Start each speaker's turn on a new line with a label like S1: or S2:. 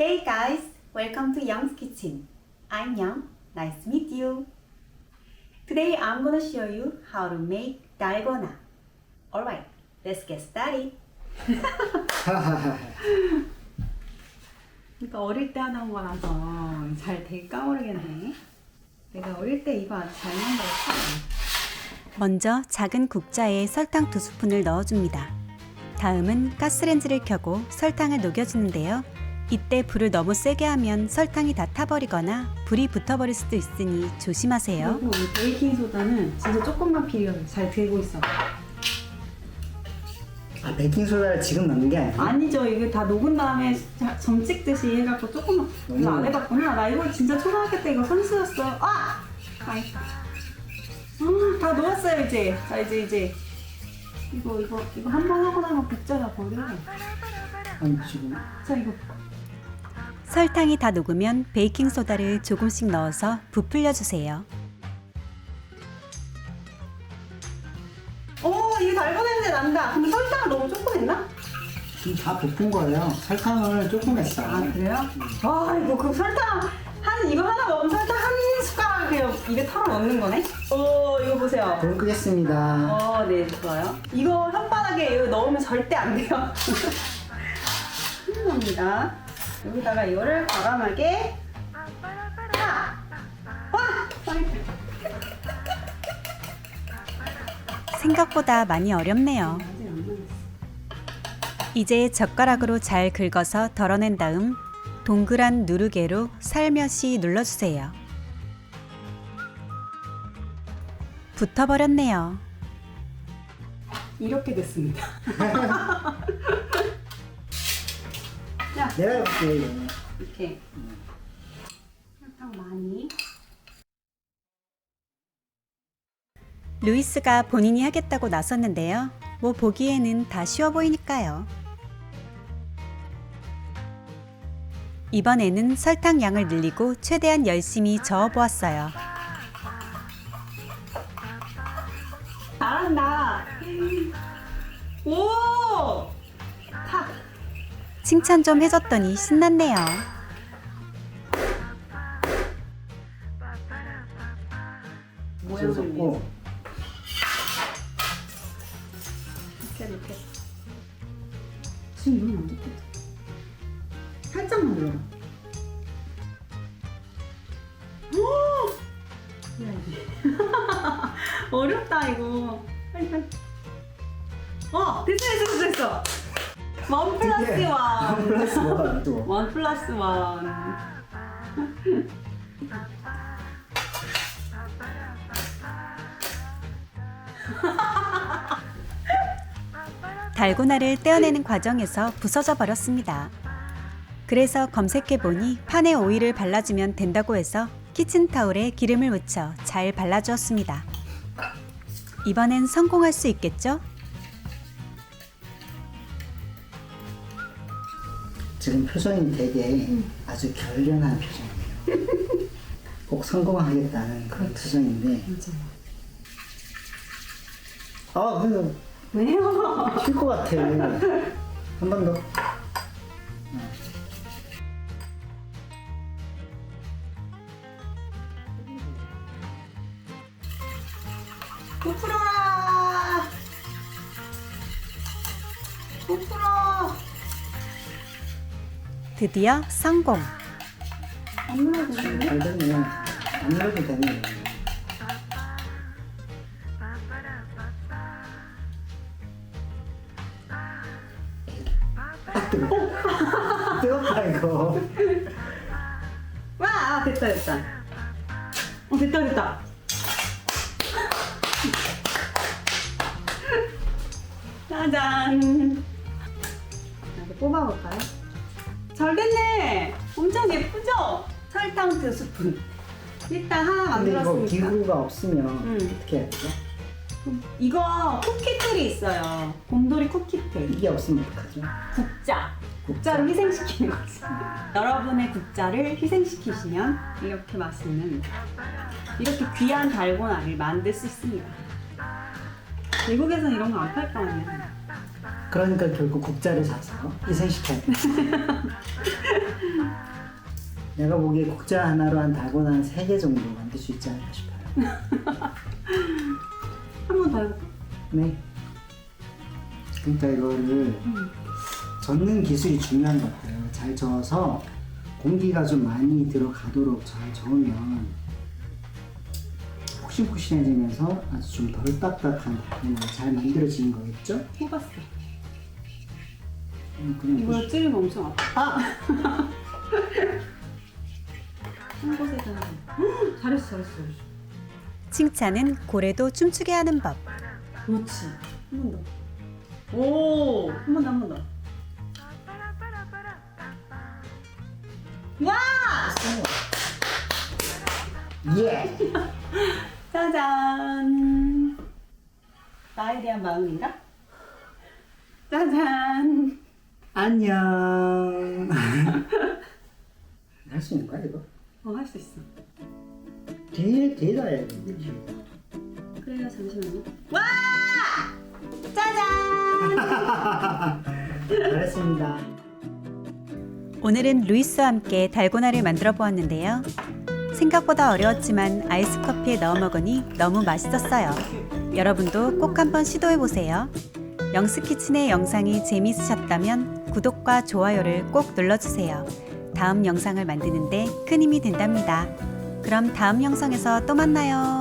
S1: Hey guys, welcome to Young's Kitchen. I'm Young. Nice to meet you. Today I'm gonna show you how to make dalgona. Alright, let's get started. 그러니까 어릴 때 하던 거라서 잘 될까 모르겠네. 내가 어릴 때 이거 아주 잘 만들었어. 먼저 작은 국자에 설탕 2스푼을 넣어줍니다. 다음은 가스렌지를 켜고 설탕을 녹여주는데요. 이때 불을 너무 세게 하면 설탕이 다 타버리거나 불이 붙어버릴 수도 있으니 조심하세요. 그리고 이 베이킹 소다는 진짜 조금만 필요해. 잘 되고 있어.
S2: 아, 베이킹소다를 지금 넣는 게 아니야?
S1: 아니죠. 이게 다 녹은 다음에 점 찍듯이 해갖고 조금만. 이거 안 해봤구나. 나 이거 진짜 초등학교 때 이거 선수였어. 아! 아이. 다 녹았어요 이제. 자 이제 이거 한 번 하고 나면 국자가 버려.
S2: 아니 지금
S1: 자 이거. 설탕이 다 녹으면 베이킹 소다를 조금씩 넣어서 부풀려 주세요. 오, 이거 달고 냄새 난다. 근데 설탕을 너무 조금 했나?
S2: 지금 다 볶은 거예요. 설탕을 조금 했어.
S1: 아 그래요? 아 이거 그 설탕 이거 하나 먹으면 설탕 한 숟가락 그냥 입에 털어 넣는 거네? 오 이거 보세요.
S2: 불 끄겠습니다.
S1: 네 좋아요. 이거 혓바닥에 이거 넣으면 절대 안 돼요. 큰일 납니다. 여기다가 이거를 과감하게 생각보다 많이 어렵네요. 이제 젓가락으로 잘 긁어서 덜어낸 다음 동그란 누르개로 살며시 눌러주세요. 붙어버렸네요. 이렇게 됐습니다.
S2: 내가 해볼게.
S1: 이렇게 설탕 많이. 루이스가 본인이 하겠다고 나섰는데요. 뭐 보기에는 다 쉬워 보이니까요. 이번에는 설탕 양을 늘리고 최대한 열심히 저어보았어요. 잘한다. 오! 칭찬 좀 해줬더니 신났네요.
S2: 모양을 고
S1: 이렇게. 지금 이건 안 됐겠다. 살짝만 눌러. 어렵다 이거. 빨리. 됐어. 원 플러스 원.
S2: 플러스 뭐가 또?
S1: 원 플러스 원. 달고나를 떼어내는 과정에서 부서져 버렸습니다. 그래서 검색해보니 판에 오일을 발라주면 된다고 해서 키친타올에 기름을 묻혀 잘 발라주었습니다. 이번엔 성공할 수 있겠죠?
S2: 지금 표정이 되게 아주 결연한 표정이에요. 꼭 성공하겠다는 그런 표정인데. 아, 근데
S1: 왜요?
S2: 튈 것 같아. 한 번 더.
S1: 부풀어라! 부풀어! 드디어 성공! 안 눌러도 되는데?
S2: 잘 됐네. 안 눌러도 되네. 뜨겁다 이거.
S1: 와! 됐다. 됐다. 짜잔! 이렇게 뽑아볼까요? 잘 됐네! 엄청 예쁘죠? 설탕 2스푼. 일단 하나
S2: 근데 이거
S1: 만들었으니까.
S2: 기구가 없으면 어떻게 해야 되죠?
S1: 이거 쿠키틀이 있어요. 곰돌이 쿠키틀.
S2: 이게 없으면 어떡하죠?
S1: 국자를 희생시키는 거지. 여러분의 국자를 희생시키시면 이렇게 맛있는, 이렇게 귀한 달고나를 만들 수 있습니다. 미국에서는 이런 거 안 팔 거 아니야.
S2: 그러니까 결국 국자를 사서 희생시켜야 돼. 내가 보기에 국자 하나로 한 달고나 한 3개 정도 만들 수 있지 않을까 싶어요.
S1: 한 번 더 해볼까?
S2: 네. 그러니까 이거를 젓는 기술이 중요한 것 같아요. 잘 저어서 공기가 좀 많이 들어가도록 잘 저으면 폭신폭신해지면서 아주 좀 덜 딱딱한 달고나가 잘 만들어지는 거겠죠?
S1: 해봤어.
S2: 그냥
S1: 이거 찌르면 엄청 아파. 한 곳에다. 잘했어. 칭찬은 고래도 춤추게 하는 법. 그렇지. 한 번 더. 오! 한 번 더. 와!
S2: 예!
S1: 짜잔! 나에 대한 마음인가? 짜잔!
S2: 안녕. 할 수 있는 거야 이거?
S1: 할 수 있어.
S2: 뒤에다 해야 되는데 뒤에다.
S1: 그래요, 잠시만요. 와! 짜잔!
S2: 잘했습니다.
S1: 오늘은 루이스와 함께 달고나를 만들어 보았는데요. 생각보다 어려웠지만 아이스 커피에 넣어 먹으니 너무 맛있었어요. 여러분도 꼭 한번 시도해 보세요. 영스키친의 영상이 재미있으셨다면 구독과 좋아요를 꼭 눌러주세요. 다음 영상을 만드는데 큰 힘이 된답니다. 그럼 다음 영상에서 또 만나요.